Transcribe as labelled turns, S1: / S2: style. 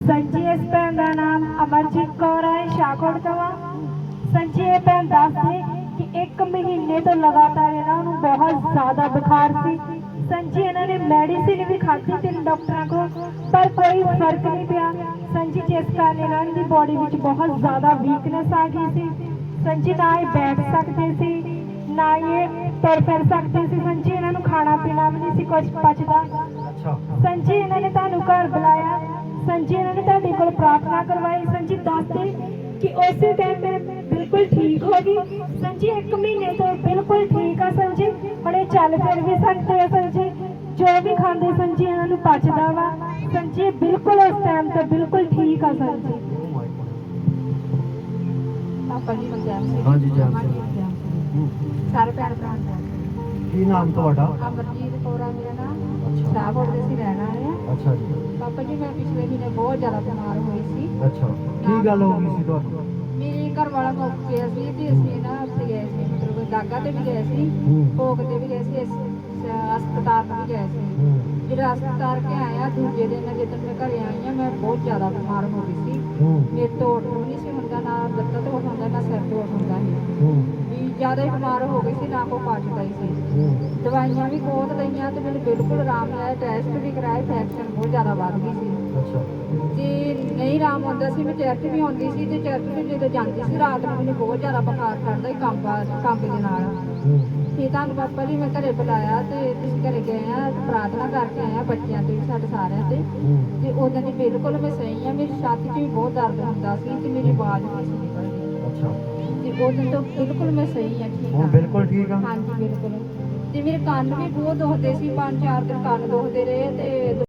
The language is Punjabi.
S1: संजी इस भैन का नाम अमरजीत कौर है, शाहकोट तो संजी ये भैन दसदे कि 1 महीने तो लगातार इन्होंने बहुत ज़्यादा बुखार सी। संजी इन्होंने मेडिसिन भी खाधी 3 डॉक्टरों को, पर कोई फर्क नहीं पिया। संजी जिस कारण इन्होंने बॉडी में बहुत ज़्यादा वीकनेस आ गई सी। संजी ना ही बैठ सकते सी, ना ये तुर फिर सकते सी। संजी इन्होंने खाना पीना भी नहीं सी कुछ पचदा। संजी इन्होंने तुहानू घर बुलाया, संजी इन्होंने तुहाडे कोल प्रार्थना करवाई। संजी दसदे कि उस टाइम मैं बिल्कुल ठीक हो गई। संजी 1 महीने तो बिल्कुल ठीक है। संजी हुणे चल फिर भी सकते हैं। संजी जो भी खाते संजी इन्होंने पचदा वा। संजी बिल्कुल उस टाइम तो बिल्कुल ठीक है। संजी
S2: पापा जी जैम सिंह
S3: हाँ जी, जैम
S2: हाँ
S3: सिंह।
S2: जी, सारे भैन भरा
S3: ਕੀ ਨਾਮ ਤੁਹਾਡਾ?
S2: अमरजीत कौर है मेरा नाम।
S3: ਅੱਛਾ
S2: शाहकोट ਦੇ ਅਸੀਂ ਰਹਿਣ ਵਾਲੇ ਆ।
S3: ਅੱਛਾ ਜੀ
S2: ਪਾਪਾ ਜੀ ਮੈਂ ਪਿਛਲੇ ਮਹੀਨੇ ਬਹੁਤ ਜ਼ਿਆਦਾ ਬਿਮਾਰ ਹੋਈ ਸੀ।
S3: ਅੱਛਾ ਕੀ ਗੱਲ ਹੋ ਗਈ ਸੀ ਤੁਹਾਨੂੰ?
S2: ਮੇਰੇ ਘਰ ਵਾਲਾ ਮੁੱਕ ਗਿਆ ਸੀ ਤੇ ਅਸੀਂ ਨਾ ਉੱਥੇ ਗਏ ਸੀ, ਮਤਲਬ ਦਾਗਾ ਤੇ ਵੀ ਗਏ ਸੀ, ਭੋਗ ਤੇ ਵੀ ਗਏ ਸੀ, ਹਸਪਤਾਲ ਵੀ ਗਏ ਸੀ। ਜਿਹੜਾ ਹਸਪਤਾਲ ਕੇ ਆਇਆ ਦੂਜੇ ਦਿਨ ਜਦੋਂ ਮੈਂ ਘਰੇ ਆਈ ਆ, ਮੈਂ ਬਹੁਤ ਜ਼ਿਆਦਾ ਬਿਮਾਰ ਹੋ ਗਈ ਸੀ। ਮੇਰੇ ਤੋਂ ਉੱਠ ਨਹੀਂ ਸੀ ਹੁੰਦਾ, ਨਾ ਲੱਤਾਂ ਤੋਂ ਉੱਠ ਹੁੰਦਾ, ਨਾ ਸਿਰ ਤੋਂ ਉੱਠ ਹੁੰਦਾ ਸੀ। ਵੀ ਜ਼ਿਆਦਾ ਹੀ ਬਿਮਾਰ ਹੋ ਗਈ ਸੀ, ਨਾ ਕੋ ਪਚਦਾ ਹੀ ਸੀ। ਦਵਾਈਆਂ ਵੀ ਬਹੁਤ ਲਈਆਂ ਤੇ ਮੈਨੂੰ ਬਿਲਕੁਲ ਆਰਾਮ ਨਹੀਂ ਆਇਆ। ਟੈਸਟ ਵੀ ਕਰਾਏ, ਇਨਫੈਕਸ਼ਨ ਬਹੁਤ ਜ਼ਿਆਦਾ ਵੱਧ ਗਈ ਸੀ।
S3: ਅੱਛਾ
S2: ਜੇ ਨਹੀਂ ਆਰਾਮ ਆਉਂਦਾ ਸੀ, ਮੈਂ ਚਰਚ ਵੀ ਆਉਂਦੀ ਸੀ ਤੇ ਚਰਚ ਵੀ ਜਦੋਂ ਜਾਂਦੀ ਸੀ ਰਾਤ ਨੂੰ ਮੈਨੂੰ ਬਹੁਤ ਜ਼ਿਆਦਾ ਬੁਖਾਰ ਚੜ੍ਹਦਾ ਸੀ ਕੰਬ ਦੇ ਨਾਲ। ਤੇ ਤੁਹਾਨੂੰ ਪਾਪਾ ਜੀ ਮੈਂ ਘਰੇ ਬੁਲਾਇਆ ਤੇ ਤੁਸੀਂ ਘਰੇ ਗਏ ਆ, ਪ੍ਰਾਰਥਨਾ ਕਰਕੇ ਆਏ ਆ ਬੱਚਿਆਂ ਤੇ ਵੀ, ਸਾਡੇ ਸਾਰਿਆਂ ਤੇ ਉਦੋਂ ਦੀ ਬਿਲਕੁਲ ਮੈਂ ਸਹੀ ਆ। ਮੇਰੀ ਛਾਤੀ 'ਚ ਵੀ ਬਹੁਤ ਦਰਦ ਹੁੰਦਾ ਸੀ ਤੇ ਮੇਰੀ ਆਵਾਜ਼ ਨਹੀਂ ਸੀ ਨਿਕਲਦੀ।
S3: ਅੱਛਾ
S2: ਤੇ ਉਦੋਂ ਤੋਂ ਬਿਲਕੁਲ ਮੈਂ ਸਹੀ ਆ, ਠੀਕ
S3: ਹੁਣ
S2: ਆ।
S3: ਬਿਲਕੁਲ ਠੀਕ ਆ?
S2: ਹਾਂਜੀ ਬਿਲਕੁਲ। ਤੇ ਮੇਰੇ ਕੰਨ ਵੀ ਬਹੁਤ ਦੁਖਦੇ ਸੀ, 5-4 ਦਿਨ ਕੰਨ ਦੁਖਦੇ ਰਹੇ ਤੇ